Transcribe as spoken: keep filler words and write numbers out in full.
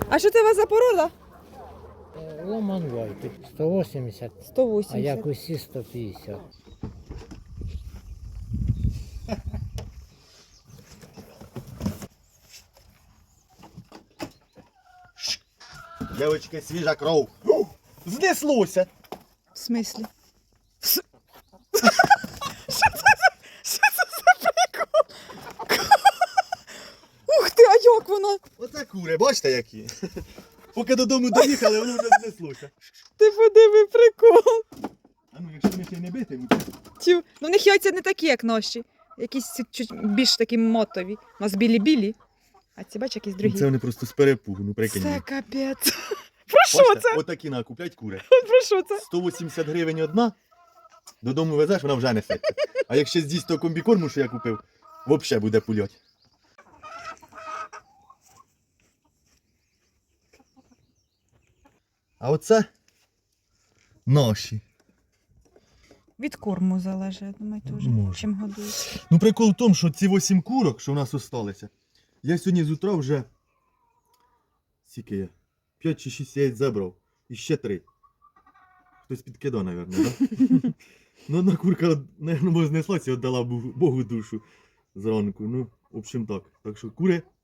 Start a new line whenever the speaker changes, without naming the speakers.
А що це у вас за порода?
Ломанвай, сто вісімдесят,
сто
а
вісімдесят.
як усі сто п'ятдесят.
Дівчатки, свіжа кров. Знеслося.
В смислі? Що це за, що це за прикол? Ух ти, а як вона?
Оце кури, бачите які? Поки додому доїхали, воно вже знеслося.
Ти подиви прикол.
А ну, якщо вони ще й не битимуть.
Тю. Ну в них яйця не такі, як наші. Якісь чуть більш такі мотові. У нас білі-білі. А ці бач, якісь другі.
Це вони просто з перепугу, ну прикинь.
Це капець. Про що
Бачите,
це?
отакі накуплять кури.
Про що це?
сто вісімдесят гривень одна, додому везеш, вона вже несеться. А якщо з'їсть того комбікорму, що я купив, взагалі буде пульоть. А оце наші.
Від корму залежить, я думаю, теж.
Може.
Чим годують.
Ну прикол в тому, що ці вісім курок, що в нас залишилися, я сьогодні з утра вже скільки я? п'ять чи шість яєць забрав. І ще три. Хтось підкидав, мабуть, так? Да? Ну одна курка, мабуть, знеслася і віддала Богу душу зранку. Ну, в общем так. Так що кури